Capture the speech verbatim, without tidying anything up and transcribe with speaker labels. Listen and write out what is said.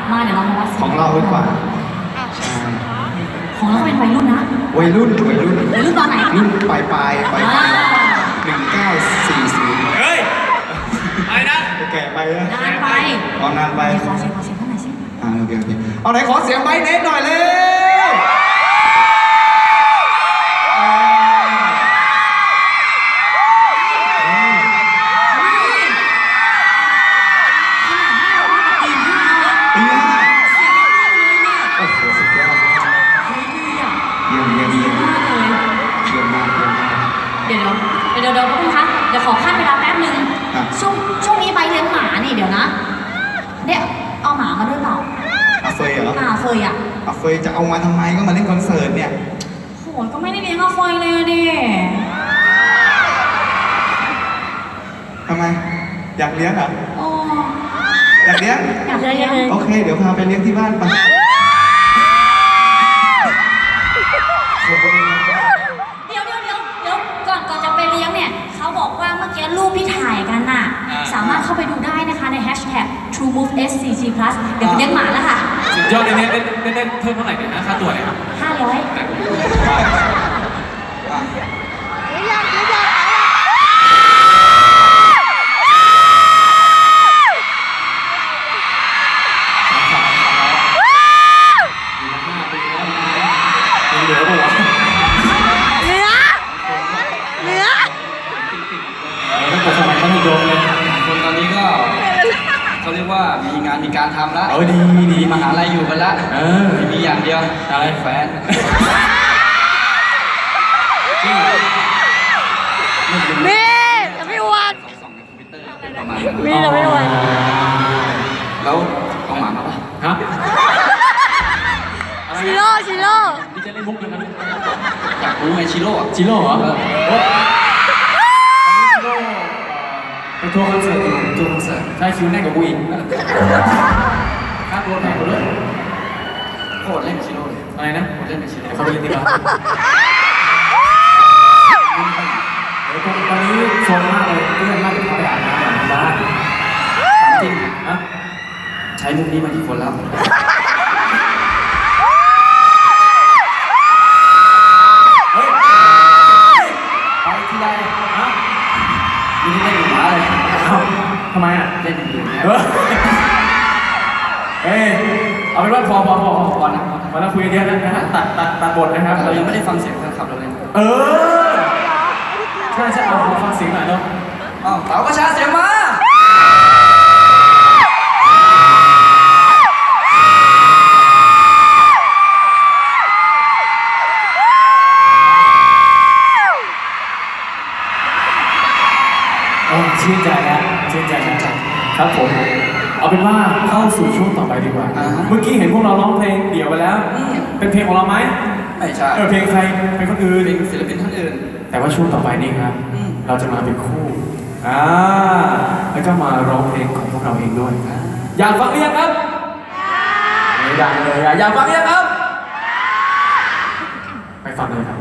Speaker 1: มาเดี๋ยวเรามาวัด
Speaker 2: ของเราดีกว่า
Speaker 1: ของเราเป็นวัยรุ่นนะ
Speaker 2: วัยรุ่นวัยรุ่น
Speaker 1: วัยรุ่นตอนไหน
Speaker 2: รุ่นปลายปลายปลายหนึ่งเก้าสี่ศูนย์
Speaker 3: เฮ้ยอะไรนะ
Speaker 2: แก่ไปนะ
Speaker 1: นานไป
Speaker 2: อ๋อนานไป
Speaker 1: ขอเสียงขอเสียงเท่าไหร่สิ
Speaker 2: อ่าโอเคโอเคเอาไหนขอเสียงไบเนสหน่อยเลย
Speaker 1: เดี๋ยวเดี๋ยวพี่คะเดี๋ยวขอขั้นเวลาแป๊บนึงช่วงช่วงนี้ใบเลี้ยงหมานี่เดี๋ยวนะเนี่ยเอาหมามาด้วยเปล่า
Speaker 2: อาเฟยเหรอ
Speaker 1: อาเฟยอ่ะ
Speaker 2: อาเฟยจะเอามาทำไมก็มาเล่นคอนเสิร์ตเนี่ย
Speaker 1: โหก็ไม่ได้เลี้ยงอาเฟยเลยดิ
Speaker 2: ทำไมอยากเลี้ยงเหรอ
Speaker 1: โอ้
Speaker 2: อยากเลี้ยง
Speaker 1: อยากเลี้ยง
Speaker 2: โอเคเดี๋ยวพาไปเลี้ยงที่บ้านไป
Speaker 1: เดี๋ยวเดี๋ยวเดี๋ยวเดี๋ยวก่อนก่อนจะไปเลี้ยงเนี่ยเขาบอกว่าเมื่อกี้รูปที่ถ่ายกันน่ะสามารถเข้าไปดูได้นะคะในแฮชแท็ก ทรูมูฟ เอส ซี จี พลัส เดี๋ยวไปเลี้ยงหมาแล้วค่ะ
Speaker 3: สุดยอดเลยเนี่ยเล่นเล่นเพิ่มเท่าไหร่เนี่ยนะค่าตัวเนี่ย
Speaker 1: ห้าร้อย
Speaker 3: เหลือป่ะวะ
Speaker 4: เหลือเหลือ
Speaker 3: ตั้งแต่สมัยมัธยมเลย
Speaker 5: คนตอนนี้ก็เขาเรียกว่ามีงานมีการทำแล้ว
Speaker 3: เออดีดี
Speaker 5: มหาลัยอยู่กันละเออมีอย่างเดียวอะไรแฟน
Speaker 4: มีจะไม่อวด
Speaker 5: ส่องในคอมพิวเตอร์ประมาณนั้น
Speaker 4: มีจะไม่อวด
Speaker 5: แล้วเอาหมามาป่ะ
Speaker 3: ฮะ
Speaker 4: ชิโร่ชิโร่
Speaker 3: นี่จะเล่นมุกยังไง
Speaker 5: อยากรู้ไงชิโร่
Speaker 3: ชิโร่เหรอไปทัวร์คอนเสิร์ตอยู่ทัวร์คอนเสิร์ตใช่คิวแน่นกับกูอีกค่าตัวแพงกว่าด้วย
Speaker 5: โคตรเล่นชิโร่เลย
Speaker 3: อะไรนะ
Speaker 5: โคตรเล่นเป็นชิโร่
Speaker 3: เขาไปเล่นดีกว่าตอนนี้โซนมากเลยเพื่อนมากเขาไปอาบน้ำหลังบ้าน
Speaker 5: จริง
Speaker 3: นะ
Speaker 5: ใช้มุกนี้มากี่คนแล้ว
Speaker 3: ไปที่ไรฮะ
Speaker 5: ไม่ได้เล่นหมาเลย
Speaker 3: ทำไมอ่ะ
Speaker 5: เล่นอื่นๆ
Speaker 3: เฮ้ยเอาเป็นว่าพอพอพอพอนะมาแล้วคุยกันเยอะนะฮะตัดตัดตัดบทนะครับ
Speaker 5: เรายังไม่ได้ฟังเสียงแฟนคลับเราเลย
Speaker 3: เออใช่ใช่เอาฟังเสียงหน่อยเนาะ
Speaker 5: อ้าวเต๋ากระชาเสียงมา
Speaker 3: ชื่นใจนะชื่นใจนะครับผมเอาเป็นว่าเข้าสู่ช่วงต่อไปดีกว่าเมื่อกี้เห็นพวกเราร้องเพลงเดี่ยวไปแล้วเป็นเพลงของเราไหม
Speaker 5: ไม่ใช่
Speaker 3: เออเพลงใครเป็นคนอื่น
Speaker 5: เป็นศิลปินท่านอื่น
Speaker 3: แต่ว่าช่วงต่อไปนี่ครับเราจะมาเป็นคู่อ่าแล้วก็มาร้องเพลงของพวกเราเองด้วยอยากฟังหรือยังครับไม่ดังเลยอยากฟังหรือยังครับไปฟังเลยครับ